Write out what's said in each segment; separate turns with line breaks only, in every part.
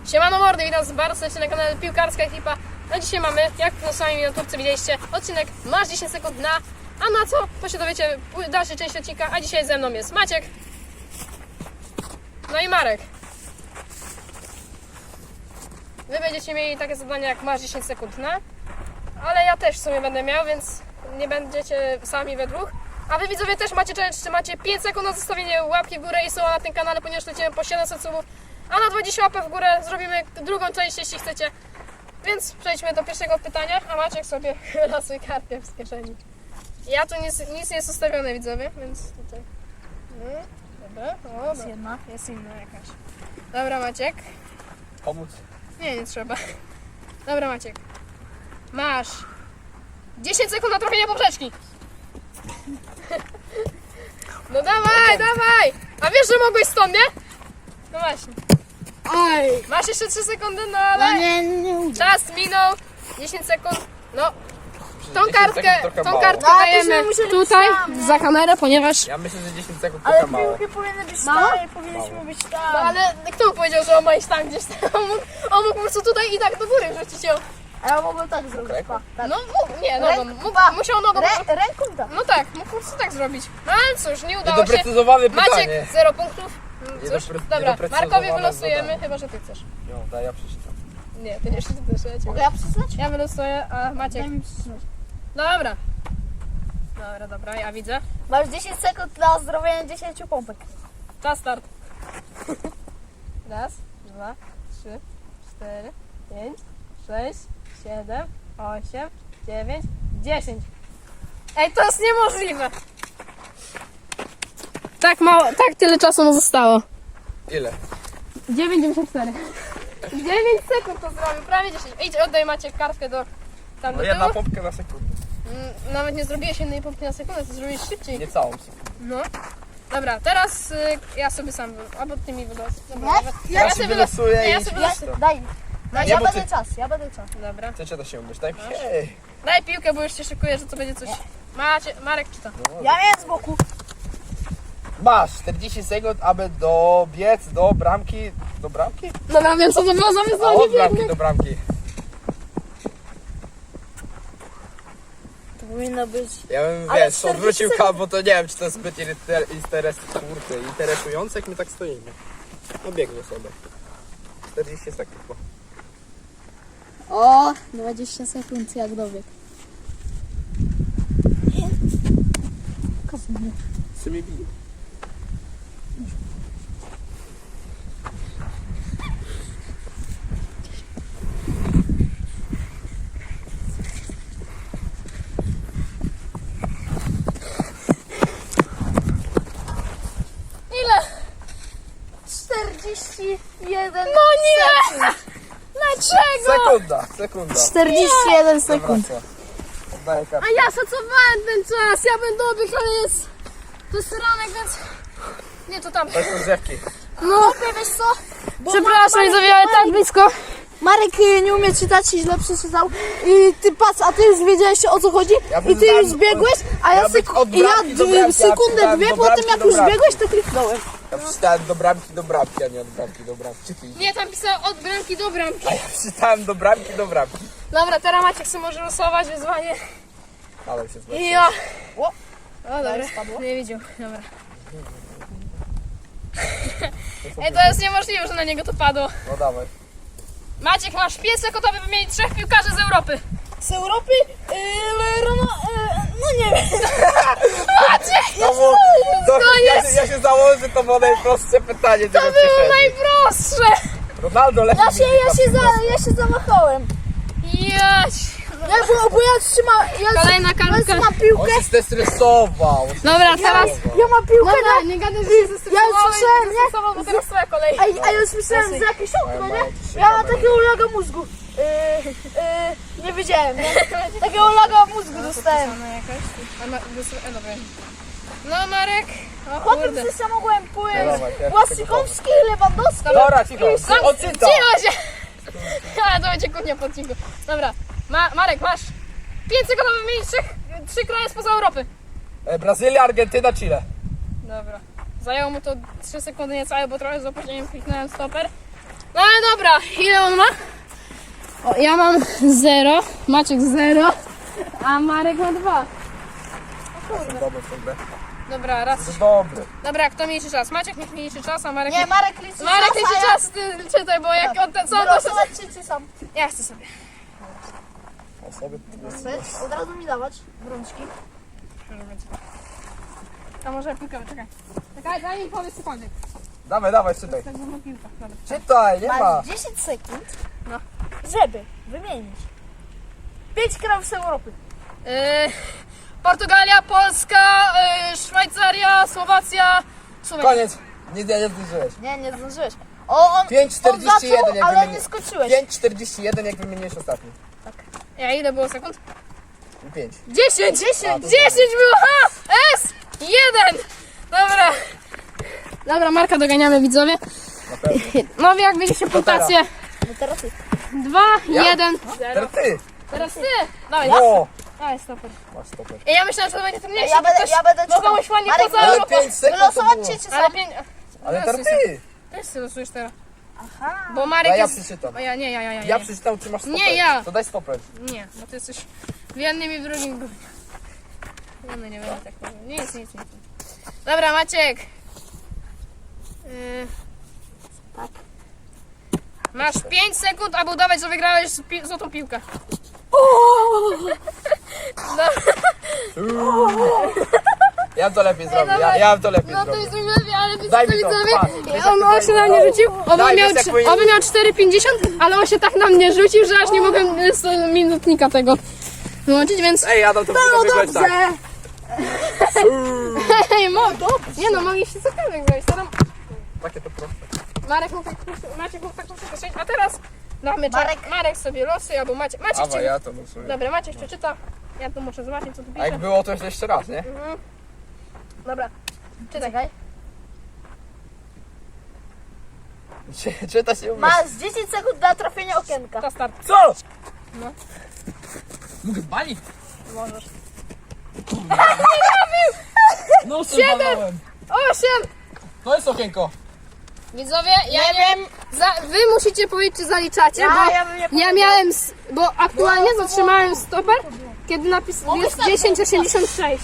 Siemano mordy, witam was bardzo serdecznie na kanale Piłkarska Ekipa. A dzisiaj mamy, jak na samej miniaturce widzieliście, odcinek Masz 10 sekund na... A na co? To się dowiecie w dalszej części odcinka, a dzisiaj ze mną jest Maciek. No i Marek. Wy będziecie mieli takie zadania jak Masz 10 sekund na... Ale ja też w sumie będę miał, więc nie będziecie sami we dwóch. A wy widzowie też macie challenge, czy macie 5 sekund na zostawienie łapki w górę i suba na tym kanale, ponieważ lecimy po 700 subów. A na 20 łapek w górę zrobimy drugą część, jeśli chcecie. Więc przejdźmy do pierwszego pytania, a Maciek sobie chyla swój kartę z kieszeni. Ja tu nic nie jest ustawione, widzowie, więc tutaj... No, dobra, o,
Jest jedna.
jest inna jakaś. Dobra, Maciek.
Pomóc?
Nie trzeba. Dobra, Maciek. Masz 10 sekund na trafienie poprzeczki. No dawaj, dawaj! A wiesz, że mogłeś stąd, nie? No właśnie.
Oj!
Masz jeszcze 3 sekundy, no
No
ale...
nie uda.
Czas minął. 10 sekund. No, tą
10
kartkę
sekund trochę mało.
dajemy
No, to byśmy
tutaj,
musieli być
za kamerę, ponieważ...
Ja myślę, że 10 sekund
Ale
trochę mało.
piłki powinny być
Mało?
tam, powinniśmy być tam.
No ale kto mu powiedział, że on ma iść tam gdzieś tam? On mógł po prostu tutaj i tak do góry wrzucić ją.
A ja mogłem tak zrobić,
Ręką?
pa. Tak.
No mógł, nie, nogą. Musiał nogą.
Ręką tak.
No tak, mógł po prostu tak zrobić. No ale cóż, nie udało się.
Niedoprecyzowane pytanie.
Maciek, 0 punktów. Cóż, dobra,
niedoprecyzowane
Markowi wylosujemy,
zadanie.
chyba że ty chcesz.
No, daj, ja przeczytam.
Nie, ty nie przeczytasz, ja cię.
Mogę ja przesunąć?
Ja wylosuję, a Maciek.
Daj mi przesunąć.
Dobra. Dobra, ja widzę.
Masz 10 sekund na zrobienie 10 pompek.
Czas start. Raz, 2, 3, 4, 5, 6, 7, 8, 9, 10. Ej, to jest niemożliwe. Tak mało, tak tyle czasu mu zostało.
Ile?
9,94. 9 sekund to zrobił, prawie 10. Idź, oddaj Maciek kartkę do tam
No
do
jedna
tyłu.
pompkę na sekundę.
Nawet nie zrobiłeś jednej pompki na sekundę, to zrobiłeś szybciej.
Nie całą sekundę.
No. Dobra, teraz ja sobie sam, albo ty mi wylos. Dobra,
Nie?
dobra.
Ja się wylosuję
Nie, ja
i...
sobie
Ja,
wylosuję.
daj.
Nie,
Ja
bo
będę
ty-
czas, ja będę czas.
Dobra.
Chcecie to się umyć, daj mi się.
Daj piłkę, bo już się szykuję, że to będzie coś... Marek czyta.
Ja miałem z boku.
Masz 40 sekund, aby dobiec do bramki. Do bramki?
Dobra, wiem co to było za
A
wyzwanie,
od bramki
biegnę.
do bramki.
To powinno być...
Ja bym,
Ale
wiesz,
40
odwrócił
sekund.
bo to nie wiem, czy to jest zbyt interesujące, jak my tak stoimy. No biegnę sobie. 40 sekund. No.
O, 20 sekund jak dobieg.
Sobie bije.
Ile?
41
No nie! Dlaczego?
Sekunda.
41 sekund.
Wraca. Oddaję kartę.
A ja szacowałem ten czas, ja będę dobiegł, ale jest... To jest ranek, więc... Nie, to tam.
To są drzewki.
No,
Wiesz co? Bo
przepraszam, widzowie, ale tak blisko.
Marek nie umie czytać i źle przeczytał. I ty patrz, a ty już wiedziałeś o co chodzi?
Ja
I ty
znałem-
już biegłeś, a ja,
Ja być od bramki do bramki,
sekundę,
a
dwie
do
po tym
bramki
jak
do
już
bramki.
biegłeś, to kliknąłem.
Ja przeczytałem do bramki, a nie od bramki do bramki. Czy ty?
Nie, tam pisało od bramki do bramki.
A ja przeczytałem do bramki.
Dobra, teraz Maciek sobie może losować wyzwanie.
Ale się zlepiej.
I ja.
O,
O, dobra,
spadło.
nie widział, dobra. Ej, to jest niemożliwe, że na niego to padło.
No dawaj.
Maciek, masz 5 sekund, aby wymienić 3 piłkarzy z Europy.
Z Europy? No nie wiem.
To było,
koniec.
ja się założę, że to było najprostsze pytanie.
To było najprostsze.
Ronaldo lepiej.
Ja się zamachałem.
Jać.
Bo ja trzymam,
Kolejna
ja
kartka.
trzymam piłkę.
On się zestresował.
Dobra, teraz...
Ja mam piłkę
Dobra,
na...
nie gadaj, że się zestresowałeś,
słyszałem, nie?
bo teraz twoja kolej.
A ja już myślałem, że jakieś okno, nie? Ja mam takiego laga mózgu. Nie wiedziałem, nie? Takiego laga mózgu dostałem.
No Marek. O
Potem
kurde.
coś ja mogłem pójść.
Dawaj, pierwszy
Łasykowski, Lewandowski.
Dobra, cicho. On czyta.
Cicho się! Ale to będzie kłótnia po odcinku. Dobra, Marek, masz 5 sekund, aby wymienić 3 kraje spoza Europy.
Brazylia, Argentyna, Chile.
Dobra. Zajęło mu to 3 sekundy niecałe, bo trochę z opóźnieniem kliknąłem stoper. No ale dobra, ile on ma? O, ja mam 0, Maciek 0, a Marek ma 2.
Dobry w tą grę.
Dobra, raz.
To dobry.
Dobra, kto mniejszy czas? Maciek niech mniejszy czas, a Marek...
Nie, Marek liczy
Marek
czas,
liczy
a ja-
czas, ty czytaj, bo jak on ten co to...
Wylosować czy sam?
Ja chcę sobie.
Osoby.
Od razu mi dawać brączki.
A może piłkę, czekaj. Czekaj, daj mi powiedz cokolwiek.
Dawaj, czytaj.
Tak, no piłka, dobra.
Czytaj, nie ma.
Masz 10 sekund,
No.
żeby wymienić 5 krajów z Europy.
Portugalia, Polska, Szwajcaria, Słowacja, Słowenia.
Koniec. Nie zdążyłeś.
Nie zdążyłeś. On
5,41
zaczął,
jak
ale
wymienię.
nie skończyłeś.
5,41 jak wymieniłeś ostatni.
Ja ile było sekund?
5.
10! 10
A, to
było! Ha! S! 1! Dobra. Dobra, Marka doganiamy, widzowie.
Na pewno.
No jak widzicie punktację.
No teraz ty.
2, 1, 0.
Teraz ty.
Teraz ty! Dawaj,
O!
dawaj, stoper.
Masz stopę.
Ja myślałem, że to będzie trudniejsze,
Ja będę
bo komuś ładnie
Marek,
poza
Ale
Europą.
5 sekund to
Wylosować
było.
cię czy
Ale
sam?
5...
Ale teraz ty.
Też sobie losujesz teraz.
Aha.
Bo Marek
Ja
jest...
przeczytam.
O ja, nie, ja.
Ja przeczytam, ty masz stopę.
Nie, ja.
To daj stopę.
Nie, bo ty jesteś w jednym i w drugim gównie. No nie będę tak powiedział. Nic. Dobra, Maciek.
Tak.
Masz 5 sekund, aby udawać, że wygrałeś złotą piłkę.
Ja bym to lepiej zrobił.
dawaj.
Ja bym to lepiej
No to
zrobił.
jest lepiej, ale
Daj
wiecie
mi
co
to,
widzowie?
patrz. Wiesz,
On
jak
się na mnie rzucił,
Daj, wiesz, jak powinien-
oby miał 4,50, ale on się tak na mnie rzucił, że aż nie mogłem z minutnika tego wyłączyć, więc...
Ej, Adam, to powinno wyglądać tak.
Hej, nie no, mogliście cokolwiek zrobić. Teraz
Takie to proste.
Maciek mógł tak przeczytać, a teraz damy Marek sobie losy, albo Maciek
Awa,
ci...
ja to losuję.
Dobra, Maciek przeczyta. Ja tu muszę zobaczyć, co tu
A jak
pisze.
było, to jeszcze raz, nie?
Dobra, czytaj.
Czekaj.
Czyta się umiesz.
Masz 10 sekund na trafienie okienka.
To start.
Co?
No.
Mogę balić?
Możesz.
No,
7! 8!
To jest okienko.
Widzowie, ja nie wiem, wy musicie powiedzieć, czy zaliczacie,
Ja
bo
bym nie
ja miałem, bo aktualnie zatrzymałem stoper, kiedy napis jest 10,86.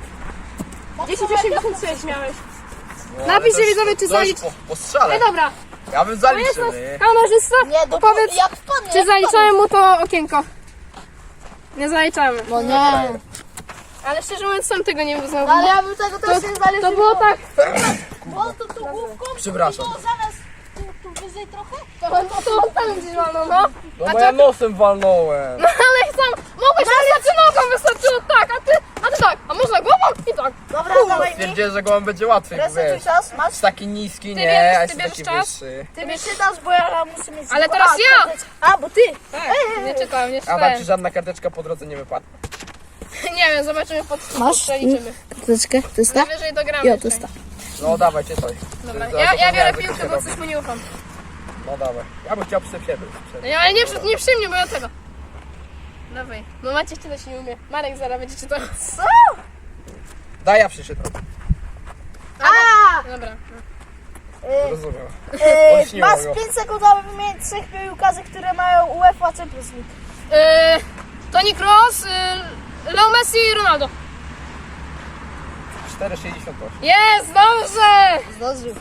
10,86 miałeś. Napiszcie widzowie, czy zalicz...
Po strzale.
No dobra,
Ja bym
to jest
zaliczył,
nas
nie?
kamerzysta,
Nie,
powiedz,
jak wpadnie.
czy zaliczałem mu to okienko. Nie zaliczamy.
No nie.
Ale szczerze mówiąc, sam tego nie uznał.
Ale ja bym tego też nie zaliczył.
To było tak,
Bo tu główką.
Przepraszam.
To zamiast tu wyżej trochę.
to on tam gdzieś walnął, no.
No bo ja nosem walnąłem.
No ale sam, mogłeś wystarczy nogą, wystarczyło tak, a ty tak, a można głową i tak.
Dobra, dawaj mi.
Stwierdziłem, że go łam będzie łatwiej, bo
Resetuj
wiesz.
czas, masz.
Jest taki niski,
Ty
nie?
bierzesz-
A
ty
jest
bierzesz
taki
czas?
wyższy.
Ty mi czytasz, bo ja muszę mieć...
Ale teraz ja!
A, bo ty.
Tak, nie czytałem, nie
A
czytałem.
tam ci żadna karteczka po drodze nie wypadła.
Nie wiem, zobaczymy pod
Masz?
przeliczymy.
Karteczkę, to jest ta?
Najwyżej dogramy.
Jo, to
dzisiaj.
jest ta.
No dawaj, czytaj.
Dobra,
Zaraz
ja biorę
zapomniałem,
piłkę,
jak
bo
to się
coś mu nie ufam.
robi. No dawaj. Ja bym chciał przy siebie.
No ja, ale nie przy mnie, bo ja tego. Dawaj. No Maciek czytać nie umie. Marek zaraz będzie czytał.
Co?
Daj, ja przeczytam.
A!
Dobra.
Rozumiem.
Masz
Olśniło go.
5 sekund, aby wymienić 3 piłkarzy, które mają UEFA Champions League.
Toni Kroos, Leo Messi i Ronaldo.
4,68.
Jest, dobrze!
Zdążył.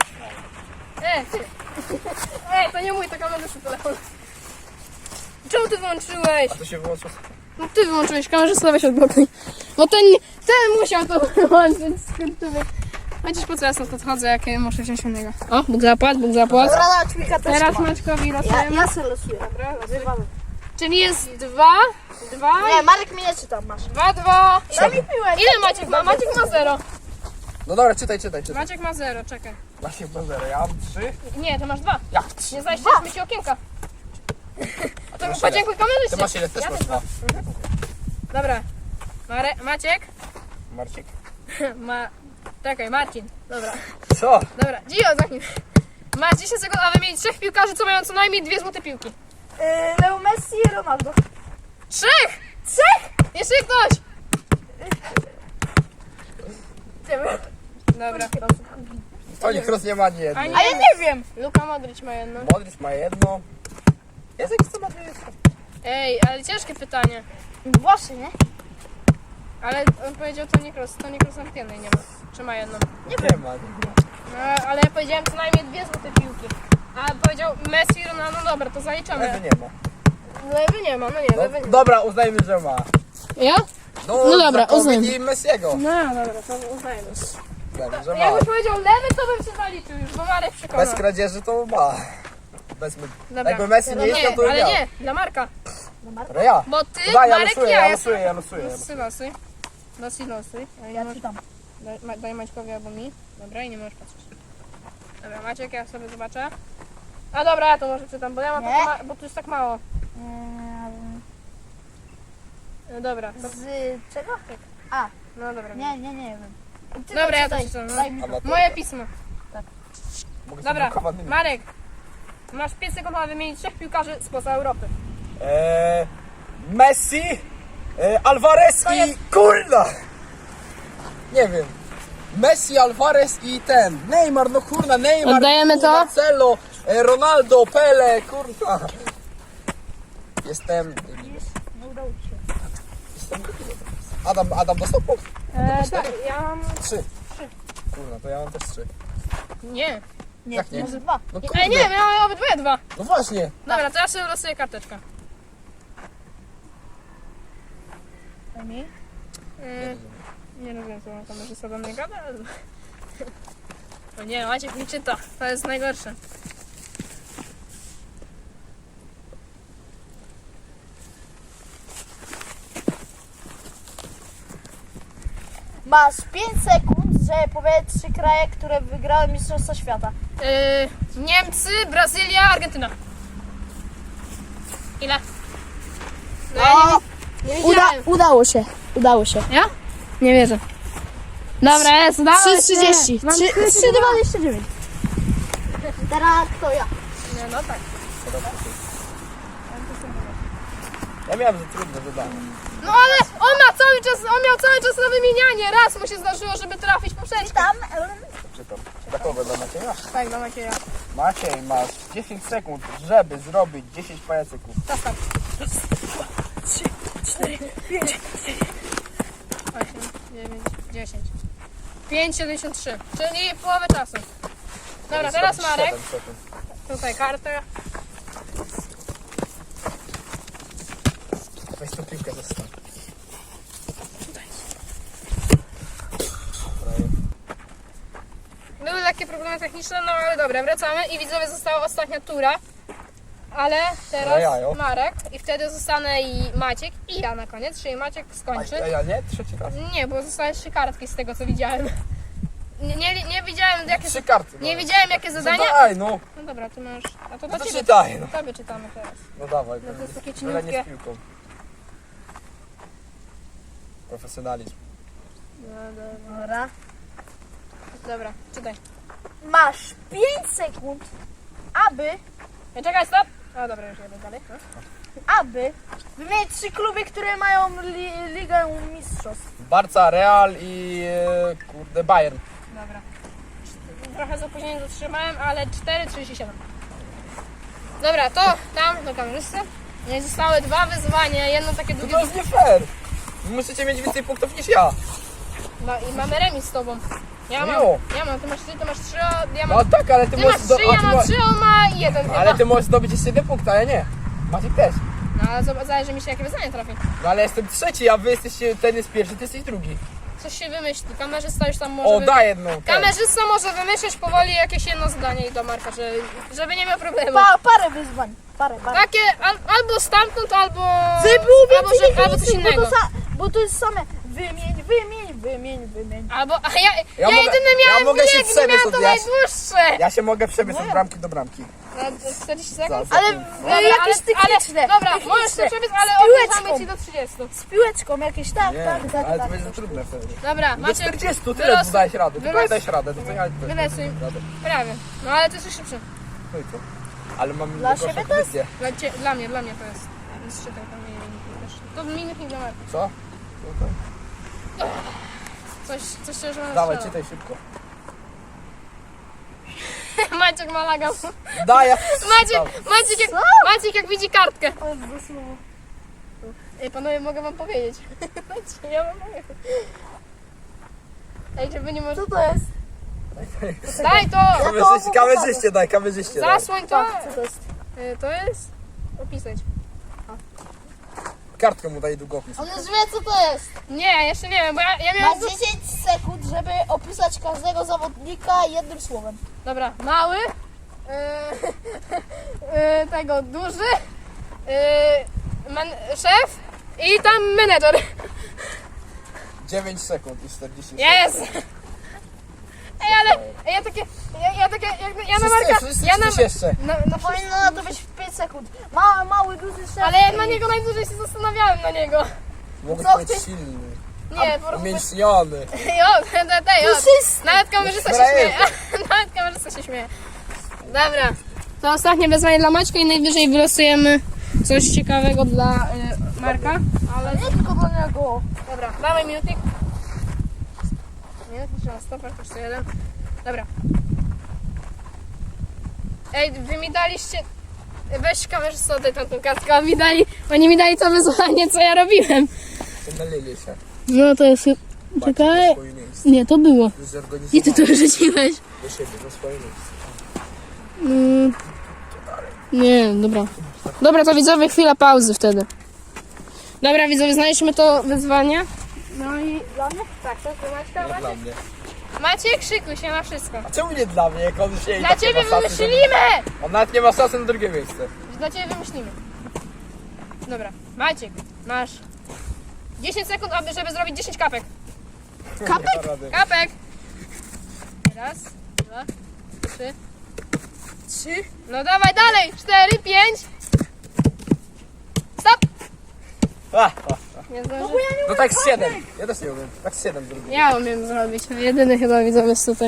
Ej, to nie mój, to kamerzysty telefon. Czemu ty wyłączyłeś?
A to się wyłączyło.
No ty wyłączyłeś, kamerzysta weź odblokuj. Bo ten musiał to wyłączyć, skurczyby. Chociaż po co ja stąd odchodzę, jak ja muszę wziąć innego. O, Bóg zapłat.
Dobra, dać mi karteczkę.
Teraz Maćkowi losujemy.
Ja sobie losuję.
Dobra, losuj.
Wywalę.
Czyli jest 2,
Nie, Marek mi nie czytam, masz.
2.
Daj mi piłę.
Ile Maciek ma? Maciek ma 0.
No dobra, czytaj.
Maciek ma 0, czekaj.
Właśnie mam 0. Ja mam 3.
Nie, to masz 2.
Jak 3?
Nie zajściliśmy ci okienka. To
masz
podziękuj kamerzyście.
Ty masz ile? Też
Ja
masz
też
2.
Dobra. Maciek?
Marcik.
Czekaj, Marcin. Dobra.
Co?
Dobra, Gio, zamknij. Masz 10 sekund, a wymienić 3 piłkarzy, co mają co najmniej 2 złote piłki.
Leo Messi i Ronaldo.
3! Jeszcze ktoś! Dobra.
Toni Kroos nie ma ani jedno.
A nie.
A ja nie wiem.
Luka Modric ma jedno.
Modric ma jedno. Jest jakiś co ma dwie jeszcze.
Ej, ale ciężkie pytanie.
Właśnie, nie?
Ale on powiedział Toni Kroos. Toni Kroos nawet jednej nie ma. Czy ma jedną?
Nie ma.
No, ale ja powiedziałem co najmniej 2 złote piłki. A powiedział Messi, Ronaldo, no dobra, to
Lewy
zaliczamy.
nie ma.
Lewy nie ma, no nie, lewy
No,
nie.
dobra, uznajmy, że ma.
Ja?
No
dobra,
za
uznajmy.
i Messiego.
No dobra, to uznajmy.
Uznajmy, że ma.
Jakbyś powiedział lewy, to bym się zaliczył już, bo Marek przekonał.
Bez kradzieży to ma. Bez...
Dobra.
Jakby Messi nie istniał, to
ale
miał.
nie, dla Marka.
Ale ja.
Bo ty,
Daj, ja
Marek,
losuję,
ja
ja
jestem...
losuję, ja losuję.
Losuj. Losuj. A nie
Ja
możesz-
czytam.
Daj Maćkowi albo mi. Dobra, i nie możesz patrzeć. Dobra, Maciek, ja sobie zobaczę. A dobra, ja to może czytam, bo ja mam
Nie.
tak bo tu jest tak mało. No dobra, to...
Z czego?
No dobra.
Nie wiem. Ty
Dobra, ja to
czytaj.
czytam. No.
Daj mi.
Amator.
Moje pismo.
Mogę
Dobra,
sobie blokować.
Marek. Masz 5 sekund, aby wymienić 3 piłkarzy spoza Europy.
Messi, Alvarez
To
i
jest-
kurna! Nie wiem. Messi, Alvarez i ten. Neymar, no kurna, Neymar.
Oddajemy to?
Marcelo, Ronaldo, Pele, kurna. Jestem...
Nie udało ci się.
Adam dostał punkt?
Tak, ja mam...
3. Kurna, to ja mam też 3.
Nie.
Nie,
Jak nie?
może 2.
No kurde.
Ej, nie, ja mam obydwoje 2.
No właśnie.
Dobra, to ja sobie losuję karteczkę.
Daj mi.
Nie rozumiem, co on kamerzysta do mnie gada, ale... O nie, Maciek nie czyta. To jest najgorsze.
Masz 5 sekund, żeby powiedzieć 3 kraje, które wygrały Mistrzostwa Świata.
Niemcy, Brazylia, Argentyna. Ile? No ja nie widziałem.
Udało się.
Ja? Nie wierzę. Dobra, jest, dawaj.
3,30.
Mam
3,29. Teraz to ja.
Nie, no tak.
Ja miałem za trudne zadanie.
No ale on miał cały czas na wymienianie. Raz mu się zdarzyło, żeby trafić poprzeczkę.
Tam.
Czytam. Dla kogo? Dla Macieja?
Tak, do Macieja.
Maciej, masz 10 sekund, żeby zrobić 10 pajacyków.
Czas tam. 8, 9, 10. 5,73. Czyli połowę czasu. Dobra, teraz Marek.
7 sekund.
Tutaj kartę.
Weź tą piłkę zostaw.
Były lekkie problemy techniczne, no ale dobra, wracamy i widzowie, została ostatnia tura. Ale teraz
Jajo.
Marek i wtedy zostanę i Maciek i ja na koniec, czyli Maciek skończy.
A ja nie? Trzeci raz.
Nie, bo zostały 3 kartki z tego co widziałem. Nie widziałem jakie
3 karty.
nie wiedziałem jakie zadania.
Daj, no.
No dobra, ty masz. A to
No
do
to
ciebie.
czytaj, no.
Tobie czytamy teraz.
No dawaj.
No to jest takie
byle nie
cieniutkie.
z piłką. Profesjonalizm.
No, dobra.
Dobra.
Dobra, czytaj.
Masz 5 sekund, aby
Czekaj, stop! O dobra, już jadę dalej. No.
aby wymienić 3 kluby, które mają Ligę Mistrzostw.
Barca, Real i kurde Bayern.
Dobra. Trochę z opóźnieniem zatrzymałem, ale 4,37. Dobra, to tam do kamerzysty. Nie zostały 2 wyzwania, jedno takie
To
długie.
jest nie fair. Wy musicie mieć więcej punktów niż ja.
No i mamy remis z tobą. Ja mam,
Jo.
ty masz 3, ja
No
mam...
tak, ale ty
Ty
możesz...
masz 3, ja mam 3, on ma 1 chyba.
Ale ty możesz zdobyć jeszcze 1 punkt, a ja nie. Maciek też.
No ale zależy mi się jakie wyzwanie trafi.
No ale jestem trzeci, a wy jesteście, ten jest pierwszy, ty jesteś drugi.
Coś się wymyśli, kamerzysta już tam może...
O, daj jedną. ten.
Kamerzysta może wymyśleć powoli jakieś jedno zadanie do Marka, żeby nie miał problemu.
Parę wyzwań. Parę.
Takie albo stamtąd, albo... albo coś innego.
Bo to jest same wymień.
Albo, a
Ja
ja
mogę-
jedyny
ja
miałem
mogę się
bieg,
przebiec
miałem
od
to
Jasi.
najdłuższe.
Ja się mogę przebiec od bramki do bramki.
No, 40 sekund?
Za-
Ale
Dobra,
jakieś techniczne.
Dobra,
techniczne.
możesz się przebiec, ale
Z piłeczką.
odliczamy ci do 30.
Z piłeczką jakieś, tak.
Nie, ale to będzie za trudne wtedy.
Dobra,
Do
Maciek,
40 tyle
wylosuj-
dałeś radę, tylko
wylosuj-
nie dałeś radę. To co ja
wylosuj.
radę.
prawie. No ale ty jesteś szybszy.
No i co? Ale mam
Dla
gorszą
siebie to jest-
pozycję.
Dla mnie to jest. Więc czytaj tam minutki też. To minutki dla Marka.
Co? No to...
Coś szczerze mówiąc
Dawaj,
strzela.
czytaj szybko.
Maciek ma laga.
Daj, ja...
Maciek jak widzi kartkę. Ej, panowie, mogę wam powiedzieć. Ja wam mogę. Ej, czy wy nie możecie...
Co to jest?
Daj to!
Kamerzyście daj, kamerzyście daj.
Zasłoń to!
Co to jest?
To jest... Opisać.
Kartkę mu daj długopis.
On już wie co to jest.
Nie, jeszcze nie wiem, bo ja miałem...
Masz 10 sekund, żeby opisać każdego zawodnika jednym słowem.
Dobra, mały, tego duży, szef i tam menedżer.
9 sekund i 40 sekund.
Jest! Ej, ale ja takie, ja na Marka,
Wszyscy
ja na,
coś jeszcze.
na
Powinno na to być w 5 sekund. Mały, duży szef.
ale ja na niego najdłużej się zastanawiałem na niego.
Mógł
Co
być
ty-
silny.
Nie, po prostu,
Umięśniony.
jo, nawet kamerzysta się śmieje, nawet kamerzysta się śmieje. Dobra, to ostatnie wyzwanie dla Maćka i najwyżej wylosujemy coś ciekawego dla Marka, ale...
Nie tylko do niego.
Dobra, dawaj minutnik. Nie, trzeba stopać, jeszcze jeden. Dobra. Ej, wy mi daliście... Weź kamerzysta, oddaj tamtą kartkę, oni mi dali to wyzwanie, co ja robiłem.
Nalili się.
No to jest...
Czekaj. Na swoje miejsce.
Nie, to było. I ty to wyrzuciłeś.
Do siebie, na swoje miejsce.
Nie, dobra. Dobra, to widzowie, chwila pauzy wtedy. Dobra, widzowie, znaleźliśmy to wyzwanie. No i...
Dla mnie?
Tak, to jest Maćka,
Nie dla
Maciek.
mnie.
Maciek, szykuj się na wszystko.
A czemu nie dla mnie, jak on się i
Dla
tak nie
ciebie
ma szansy,
wymyślimy!
On nawet nie ma szansy na drugie miejsce.
Dla ciebie wymyślimy. Dobra, Maciek, masz 10 sekund, żeby zrobić 10 kapek.
Nie ma rady.
Kapek! Raz, dwa, trzy. No dawaj dalej! 4, 5. Stop! Nie zdążę.
No tak z 7. Ja też nie umiem. Tak z 7 zrobię.
Ja umiem zrobić. Jedyny chyba widzowie jest tutaj.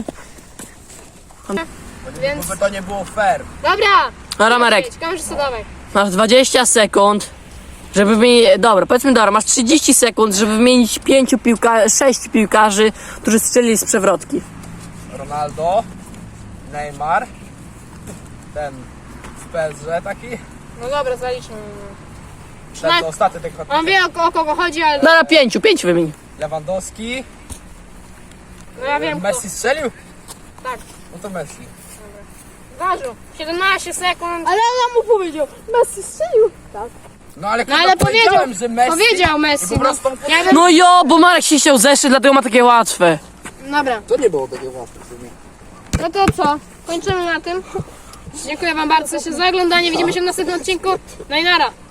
Więc...
Bo to nie było fair.
Dobra!
Dobra, Marek,
Kamerzysta, dawaj.
masz 20 sekund, żeby wymienić... Dobra, powiedzmy dobra, masz 30 sekund, żeby wymienić 6 piłkarzy, którzy strzelili z przewrotki.
Ronaldo, Neymar, ten w PSG taki,
No dobra, zaliczmy.
ten ostatni tak
On wie o kogo chodzi, ale...
Dobra, 5 wymień.
Lewandowski,
No ja wiem kto.
Messi strzelił?
Tak.
No to Messi.
Ważył. 17 sekund.
Ale ona mu powiedział. Messi strzelił. Tak.
No ale,
No ale
powiedziałem, że Messi.
Powiedział
I
Messi.
po prostu on
Ja wiem...
No jo, bo Marek się chciał zeszyć, dlatego ma takie łatwe.
Dobra,
To nie było takie łatwe w sumie.
no to co? Kończymy na tym. Dziękuję wam bardzo za oglądanie. Widzimy się w następnym odcinku. No i nara.